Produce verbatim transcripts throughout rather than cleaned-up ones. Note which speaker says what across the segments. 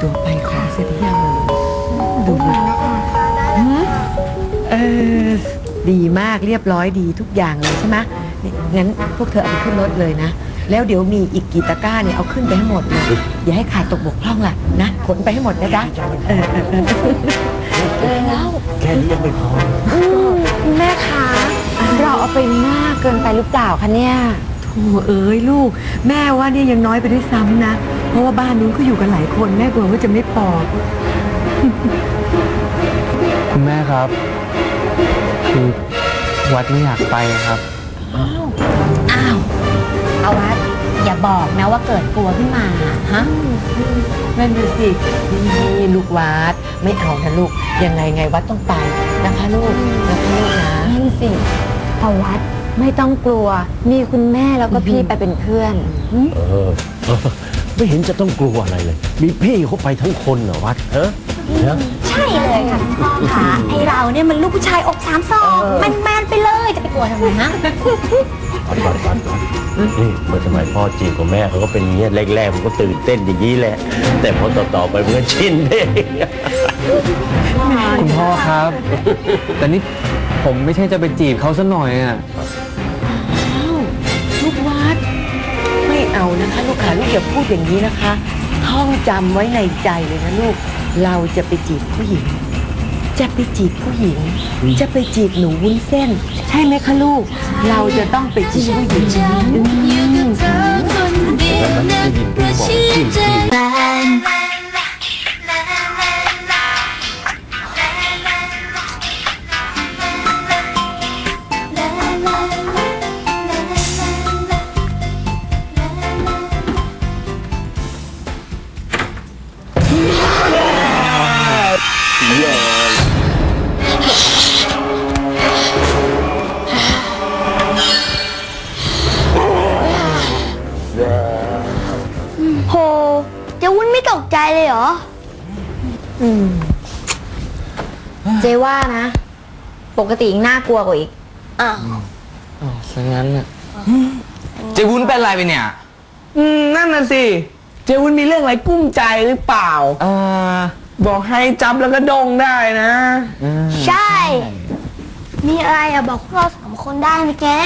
Speaker 1: ตัวไปขอเสร็จหรือยังดูเออดีมากเรียบร้อยดีทุกอย่างเลยใช่ไหมงั้นพวกเธอเอาไปขึ้นรถเลยนะแล้วเดี๋ยวมีอีกกี่ตะกร้าเนี่ยเอาขึ้นไปให้หมดเลยอย่าให้ขาดตกบกพร่องล่ะนะขนไปให้หมดนะจ๊ะเออเออเออแล้ว
Speaker 2: แค่นี้ยังไม่พอ
Speaker 3: คุณแม่คะเราเอาไปมากเกินไปหรือเปล่าคะเนี่ย
Speaker 1: โธ่เอ้ยลูกแม่ว่าเนี่ยยังน้อยไปด้วยซ้ำนะเพราะว่าบ้านนู้นก็อยู่กันหลายคนแม่กลัวว่าจะไม่พอ
Speaker 4: คุณแม่ครับคือวัดไม่อยากไปครับ
Speaker 3: อ้าวอ้าวเอาวัดอย่าบอกนะว่าเกิดกลัวขึ้นมาฮะ
Speaker 1: นั่นดูสินี่ลูกวัดไม่เอานะลูกยังไงไงวัดต้องไปนะคะลูกนะคะลูกนะ
Speaker 3: นั่นสิเอาวัดไม่ต้องกลัวมีคุณแม่แล้วก็พี่ไปเป็นเพื่อน
Speaker 2: เออไม่เห็นจะต้องกลัวอะไรเลยมีพี่เขาไปทั้งคนเหรอวัดเออ
Speaker 3: ใช่เลยค่ะพ่อค่ะไอเราเนี่ยมันลูกผู้ชายอกสามศอกมันแมนไปเลยจะไปกลัวทำไมฮะ
Speaker 2: วัดวัดวัดวัดนี่เมื่อสมัยพ่อจีบกับแม่เขาก็เป็นอย่างนี้แรกๆมันก็ตื่นเต้นอย่างนี้แหละแต่พอต่อๆไปมันก็ชินเอง
Speaker 4: คุณพ่อครับแต่นี่ผมไม่ใช่จะไปจีบเขาซะหน่อยอ่ะ
Speaker 1: ลูกวัดไม่เอานะคะลูกขาลูกอย่าพูดอย่างนี้นะคะท่องจำไว้ในใจเลยนะลูกเราจะไปจีบผู้หญิงจะไปจีบผู้หญิงจะไปจีบหนูวุ้นเส้นใช่ไหมคะลูกเราจะต้องไปจีบผู้หญิง
Speaker 2: แล้วมันได้ยินพี่บอกจีบ
Speaker 5: โหเจ้าวุ้นไม่ตกใจเลยเหรอ
Speaker 3: อืมเจว่านะปกติน่ากลัวกว่าอีก
Speaker 5: อ้าว
Speaker 4: อ๋อซะงั้นน่ะเจวุ้นเป็นอะไรไปเนี่ย
Speaker 6: อืมนั่นน่ะสิเจวุ้นมีเรื่องอะไรกุ้มใจหรือเปล่า
Speaker 4: เออ
Speaker 6: บอกให้จับแล้วก็ดงได้นะ
Speaker 5: ใช่มีอะไรอะบอกพวกเราสามคนได้ไหมแก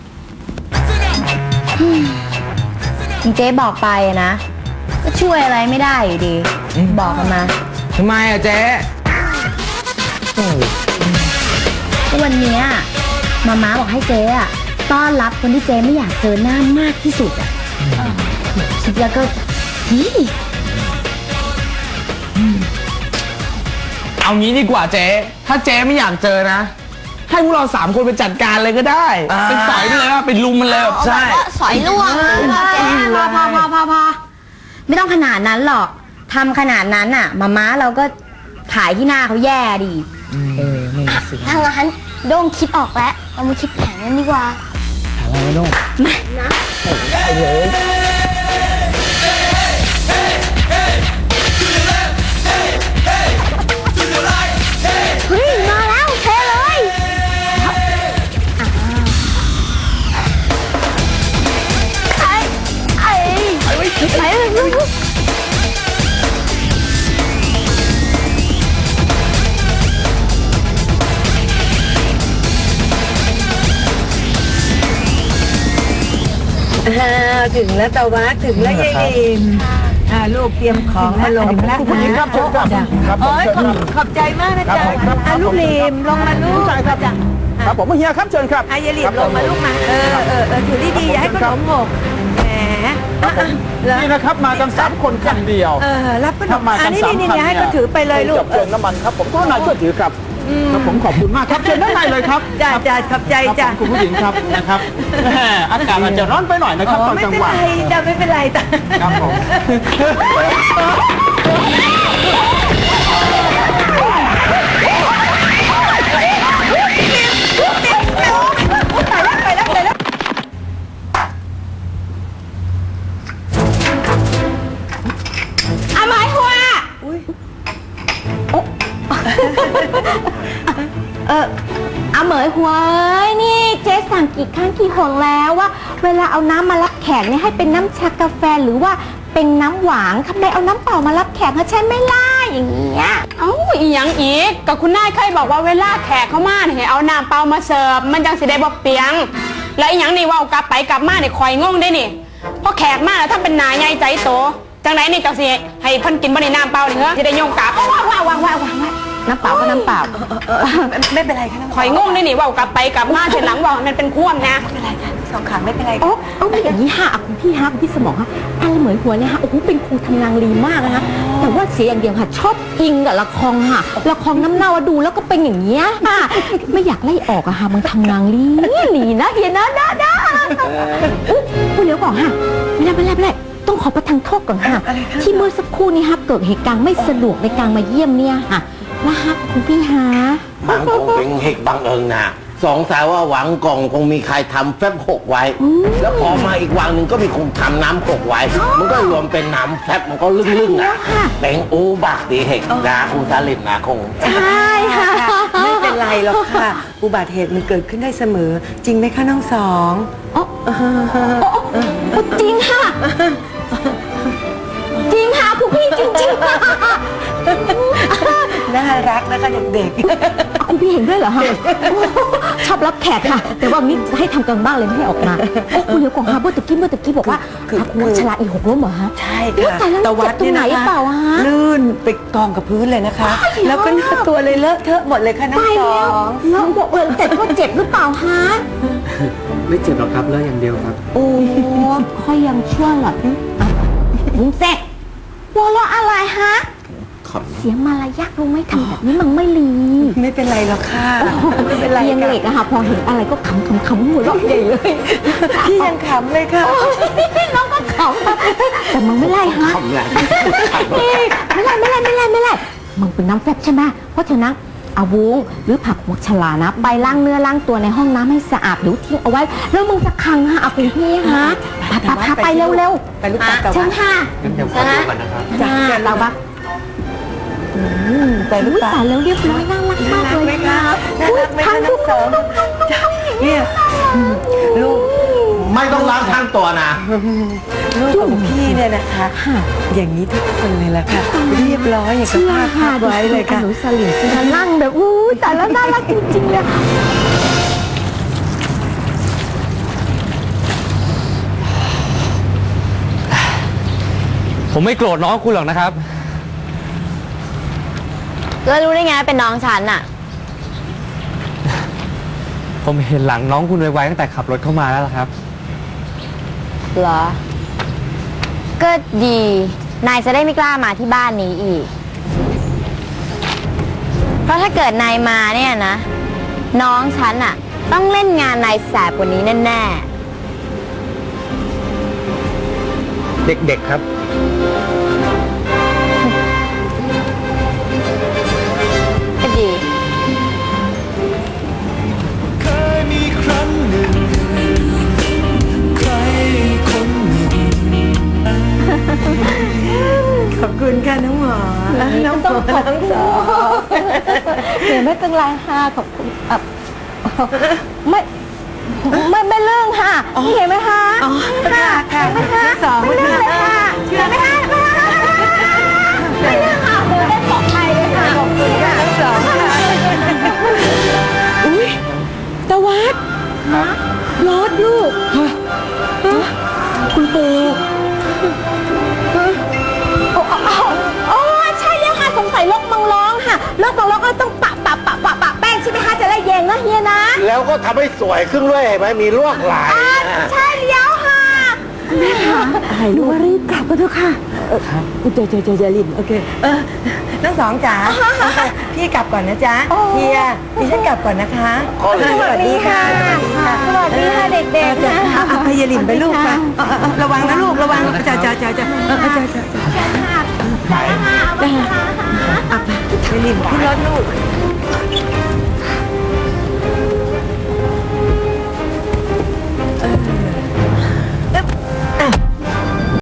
Speaker 3: เจ๊บอกไปนะก็ช่วยอะไรไม่ได้อยู่ดีบอกกันมา
Speaker 4: ทำไมอะเจ๊
Speaker 3: วันนี้มาม้าบอกให้เจ๊อะต้อนรับคนที่เจ๊ไม่อยากเจอหน้ามากที่สุดอะคิดแล้วก็ฮี
Speaker 6: เอางี้ดีกว่าเจ๊ถ้าเจ๊ไม่อยากเจอนะให้พวกเราสามคนไปจัดการเลยก็ได้ไปสอยไปเลยว่าไปลุมมันเลย
Speaker 5: ใช่สอยล่วง
Speaker 3: พอพอพอพอพอไม่ต้องขนาดนั้นหรอกทำขนาดนั้นอ่ะมาม้าเราก็ถ่ายที่หน้าเขาแย่ดี
Speaker 6: เออไม่สิ
Speaker 5: ถ้างั้นโด่งคิดออกแล้วเรามาคิดแผนกันดีกว่า
Speaker 6: อะไรโด่ง
Speaker 5: มานะเฮ้ยมาแล้วเทเลยไอ้ไอ้ไอ้ไอ้ไอ้
Speaker 1: ถึงแล้วตะวัดถึงแล้วยายลิมลูกเตรียมของมาลงแล้วนะครับโอ้ยขอบใจมากนะจ๊ะลูกลิมลงมาลูกจ้ะ
Speaker 6: ครับผมเฮียครับเชิญครับ
Speaker 1: ยายลิมลงมาลูกมาเออเออเออถือดีๆอย่าให้ขนมหกแหม
Speaker 6: นี่นะครับมากันสามคนคันเดียว
Speaker 1: เออรับขนมอันนี้นี่นี่ให้ก็ถือไปเลยลูก
Speaker 6: เชิญน้ำมันครับผมก็นายช่วยถือครับครับผมขอบคุณมากครับเชิญด้านในเลยครับ
Speaker 1: จ้าจ้าขอบใจจ้า
Speaker 6: คุณผู้หญิงครับนะครับอากาศอาจจะร้อนไปหน่อยนะครับตอนกลางวัน
Speaker 1: ไม่เป็นไรจ้าไม่เป็นไรจ้า
Speaker 6: ครับผม
Speaker 3: เออเอาเหมยหัวนี่เจ๊สั่งกี่ครั้งกี่หนแล้วว่าเวลาเอาน้ำมารับแขกเนี่ยให้เป็นน้ำชากาแฟหรือว่าเป็นน้ำหวานทำไมเอาน้ำเปล่ามารับแขกเขาใช่ไหมล่ะอย่างเงี้ย
Speaker 7: เอ้าอีหยังอีกก็คุณนายเคยบอกว่าเวลาแขกเข้ามาเนี่ยให้เอาน้ำเปล่ามาเสิร์ฟมันจังสิได้บ่เปียง แล้วอีหยังนี่เว่ากลับไปกลับมาเนี่ยคอยงงได้นี่พอแขกมาแล้วถ้าเป็นหนาใหญ่ใจโตจังไหนนี่จังสิให้เพิ่นกินบ่ได้น้ำเปล่านี่เหรอสิได้โยงกลับ
Speaker 3: ว้าวว้าวว้าวว้าวว้าวน้ำเปล่าก็น้ำเปล่า
Speaker 1: ไม่เป็นไรค่ะน้อง
Speaker 7: คอยงงได้นี่เว่ากลับไปกลับมาเสร็จหลังว่ามันเป็นควมนะ
Speaker 1: ไม่เป็นไรค่ะสองขาไม่เป็นไร
Speaker 3: โอ้โอ้อย่างนี้ฮะคุณพี่ฮะคุณพี่สมองฮะอะไรเหมือนหัวเนี่ยฮะโอ้โหเป็นครูทำนางลีมากนะคะแต่ว่าเสียอย่างเดียวค่ะชอบอิงกับละครค่ะละครน้ำเน่าดูแล้วก็เป็นอย่างเงี้ยค่ะไม่อยากไล่ออกอะค่ะมันทำนางลีลีนะเฮียนะนะนะอุ๊ยคุณเดี๋ยวก่อนค่ะไม่ได้ไม่ได้ไม่ได้ต้องขอประทานโทษก่อนค่ะที่เมื่อสักครู่นี้ฮะเกิดเหตุการณ์ไม่สะดวกในการมาเยี่ยมเนี่ยค่ะนะฮะคุณพี่ฮะ
Speaker 2: มันคงเป็นเหตุบังเอิญนะสงสัยว่าหวังกล่องคงมีใครทำแฟบหกไว้ แล้วพอมาอีกวังหนึ่งก็มีคนทำน้ำหกไว้ มันก็รวมเป็นน้ำแฟบมันก็ลึ่งๆนะเป็นอูบักตีเหตุนะคุณสลิดนะคง
Speaker 3: ใช่ค่ะ
Speaker 1: ไม่เป็นไรหรอกค่ะ อุบัติเหตุมันเกิดขึ้นได้เสมอ จริงไหมคะน้องสอง
Speaker 3: อ๋อจริงค่ะ จริงค่ะคุณพี่จริงๆค่ะ
Speaker 1: น่ารักนะคะเด็ก
Speaker 3: คุณพี่เห็นด้วยเหรอฮะชอบรับแขกค่ะ แต่ว่างี้ให้ทำกันบ้างเลยไม่ให้ออกมาโอ้คุณเดี๋ยวก่อนค่ะเมื่อตะกี้เมื่อตะกี้บอกว่าคุณชลาอีหกล้มเหรอฮะ
Speaker 1: ๆ ใช่ค่ะ
Speaker 3: แต่แล้วเจ็บตรงไหนเปล่าฮะ
Speaker 1: ลื่นไปกองกับพื้นเลยนะคะ แล้วก็หน้าตัวเลยเลอะเทอะหมดเลยค่ะน้อง
Speaker 3: ตาย
Speaker 1: สอ
Speaker 3: แล้ว
Speaker 1: ง
Speaker 3: แล้วบอกเลยแต่ก็เจ็บหรือเปล่าฮะ
Speaker 4: ไม่เจ็บหรอกครับเลือดอย่างเดียวครับ
Speaker 3: โอ้ค่อยยังชั่วหรอลุงเซ็กหัวเราะอะไรฮะเสียงมารยาทลุงไม่ทำแบบนี้มันไม่ลี
Speaker 1: ไม่เป็นไรหรอกค่ะไม่เป็นไร
Speaker 3: เรียงเหล็กอะค่ะพอเห็นอะไรก็ขำขำขำหัวเราะใหญ่เลย
Speaker 1: พี่ยังขำเลยค่ะ
Speaker 3: น้องก็ขำแต่มึงไม่ไล่ฮะ
Speaker 2: ทำไร
Speaker 3: ไม่ไล่ไม่ไล่ไม่ไล่ไม่ไล่มึงเป็นน้ำแฟบใช่ไหมเพราะฉะนั้นเอาวุ้งหรือผักหมกฉลานะไปล้างเนื้อล้างตัวในห้องน้ำให้สะอาดหรือทิ้งเอาไว้แล้วมึงจะคังฮะเอาคุณพี่ฮะพาพาไปเร็วเร็ว
Speaker 1: ไปลูกตากับ
Speaker 3: เชิญค่ะ
Speaker 4: งั้นเดี๋ยวขอดูก่อนนะครับ
Speaker 3: จ้าเราบัก
Speaker 1: ไปลูก
Speaker 3: อุ้ย
Speaker 1: ตา
Speaker 3: ตายแล้วเรียบร้อยน่ารักมากเลย
Speaker 1: น่ารักไหมคะน่ารักไหมคะน้องสองเนี่ยลูก
Speaker 2: ไม่ต้องล้างทั้งตัวนะ
Speaker 1: ลูกของพี่เนี่ยนะคะ อย่างนี้ทุกคนเลยล่ะค่ะ เรียบร้อยอย่างกับภาพภาพไว้เลยค่ะ
Speaker 3: หนูสลิมจะนั่งแบบอู้แต่แล้วน่ารักจริงๆเลย
Speaker 4: ผมไม่โกรธน้องคุณหรอกนะครับ
Speaker 3: แล้วรู้ได้ไงเป็นน้องฉันอะ
Speaker 4: ผมเห็นหลังน้องคุณไวๆตั้งแต่ขับรถเข้ามาแล้วล่ะครับ
Speaker 3: เหรอ ก็ดี นายจะได้ไม่กล้ามาที่บ้านนี้อีก เพราะถ้าเกิดนายมาเนี่ยนะ น้องฉันอะต้องเล่นงานนายแสบกว่านี้แน่ๆ
Speaker 4: เด็กๆครับ
Speaker 3: ก็ดี
Speaker 8: เคยมีครั้งหนึ่งใครคนหนึ่ง
Speaker 1: ขอบคุณค่ะน้องหมอน้องหมอน้องสอง
Speaker 3: เดี๋ยวไม่เป็นไรค่ะขอบคุณอ่ะไม่ไม่ไม่เรื่องค่ะนี่เห็นไหมคะ
Speaker 1: อ๋อค่ะค่ะ
Speaker 3: เห็นไหมคะ
Speaker 1: น้องสอง
Speaker 3: ไม่เรื่องเลยค่ะเห็นไหมคะไม่เรื่องค่ะเดินได้ปลอดภัยเลยค่ะขอบคุณค่ะ
Speaker 1: น้องสองค่ะอุ้ยตะวัดรถลูกฮะคุณปู่
Speaker 3: โอ้โอ้โอ้ใช่แล้วค่ะสงสัยโรคมังร้องค่ะโรคมังร้องก็ต้องปะปะปะปะปะแป้งใช่ไหมคะจะได้เย็นนะเฮียนะ
Speaker 2: แล้วก็ทำให้สวยขึ้นด้วยเห็นไหมมีลวดลายนะ
Speaker 3: ใช่แล้วค่ะ
Speaker 1: อะไรลูกรีบกลับกันเถอะค่ะเออเจอเจอเจอเจอลิมโอเคเออน้องสองจ๋าพี่กลับก่อนนะจ๊ะเฮียดิฉันกลับก่อนนะคะ
Speaker 3: สวัสดีค่ะสวัสดีค่ะเด็กๆนะ
Speaker 1: เอาเอาพยาลิมไปลูกไประวังนะลูกระวังจ้าจ้าจ้าจ้าจ้าจ้าจ้าจ้า
Speaker 3: ได้ค่ะเอาไปค่ะ
Speaker 1: พยาลิมขึ้นรถลูก